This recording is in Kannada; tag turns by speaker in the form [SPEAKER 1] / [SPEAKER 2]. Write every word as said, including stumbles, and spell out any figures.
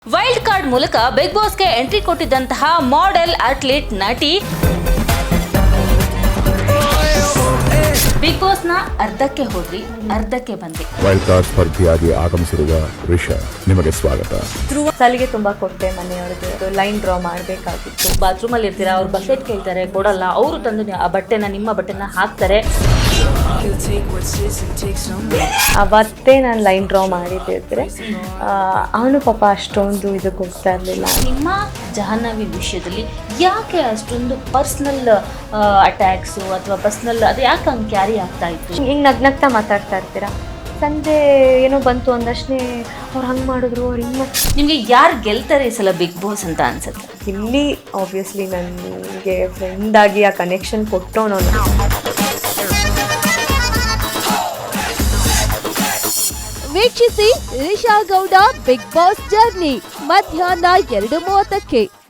[SPEAKER 1] ವೈಲ್ಡ್ ಕಾರ್ಡ್ ಮೂಲಕ ಬಿಗ್ ಬಾಸ್ಗೆ ಎಂಟ್ರಿ ಕೊಟ್ಟಿದ್ದಂತಹ ಮಾಡೆಲ್ ಅಥ್ಲೀಟ್ ನಟಿ ಬಿಗ್ ಬಾಸ್ ನ ಅರ್ಧಕ್ಕೆ ಹೋದ್ರಿ ಅರ್ಧಕ್ಕೆ ಬಂದ್ರಿ.
[SPEAKER 2] ವೈಲ್ಡ್ ಕಾರ್ಡ್ ಸ್ಪರ್ಧಿಯಾಗಿ ಆಗಮಿಸಿರುವ ರಿಷಾ, ನಿಮಗೆ ಸ್ವಾಗತ.
[SPEAKER 3] ಸಲಿಗೆ ತುಂಬಾ ಕೊಟ್ಟೆ ಮನೆಯವ್ರಿಗೆ, ಲೈನ್ ಡ್ರಾ ಮಾಡಬೇಕಾಗಿತ್ತು.
[SPEAKER 1] ಬಾತ್ರೂಮ್ ಅಲ್ಲಿ ಇರ್ತೀರಾ, ಅವ್ರು ಬಕೆಟ್ ಕೇಳ್ತಾರೆ, ಕೊಡಲ್ಲ. ಅವರು ತಂದು ಆ ಬಟ್ಟೆನ ನಿಮ್ಮ ಬಟ್ಟೆನ ಹಾಕ್ತಾರೆ.
[SPEAKER 3] ಅವತ್ತೇ ನಾನು ಲೈನ್ ಡ್ರಾ ಮಾಡಿದ್ದಿದ್ರೆ ಅವನು ಪಾಪ ಅಷ್ಟೊಂದು ಇದು ಕೊಡ್ತಾ ಇರಲಿಲ್ಲ.
[SPEAKER 1] ನಿಮ್ಮ ಜಾಹ್ನವಿ ವಿಷಯದಲ್ಲಿ ಯಾಕೆ ಅಷ್ಟೊಂದು ಪರ್ಸ್ನಲ್ ಅಟ್ಯಾಕ್ಸು ಅಥವಾ ಪರ್ಸ್ನಲ್ ಅದು ಯಾಕೆ ಹಂಗೆ ಕ್ಯಾರಿ ಆಗ್ತಾ ಇತ್ತು?
[SPEAKER 3] ಹಿಂಗೆ ನಗ್ನಗ್ತಾ ಮಾತಾಡ್ತಾ ಇರ್ತೀರಾ. ಸಂಜೆ ಏನೋ ಬಂತು ಅಂದಷ್ಟೇ ಅವ್ರು ಹಂಗೆ ಮಾಡಿದ್ರು, ಅವ್ರು ಹಿಂಗೆ
[SPEAKER 1] ನಿಮಗೆ ಯಾರು ಗೆಲ್ತಾರೆ ಈ ಸಲ ಬಿಗ್ ಬಾಸ್ ಅಂತ ಅನ್ಸುತ್ತೆ?
[SPEAKER 3] ಇಲ್ಲಿ ಆಬ್ವಿಯಸ್ಲಿ ನನಗೆ ಫ್ರೆಂಡಾಗಿ ಆ ಕನೆಕ್ಷನ್ ಕೊಟ್ಟೋನು.
[SPEAKER 4] ವೀಕ್ಷಿಸಿ Risha Gowda big boss journey ಮಧ್ಯಾಹ್ನ ಎರಡು ಮೂವತ್ತಕ್ಕೆ.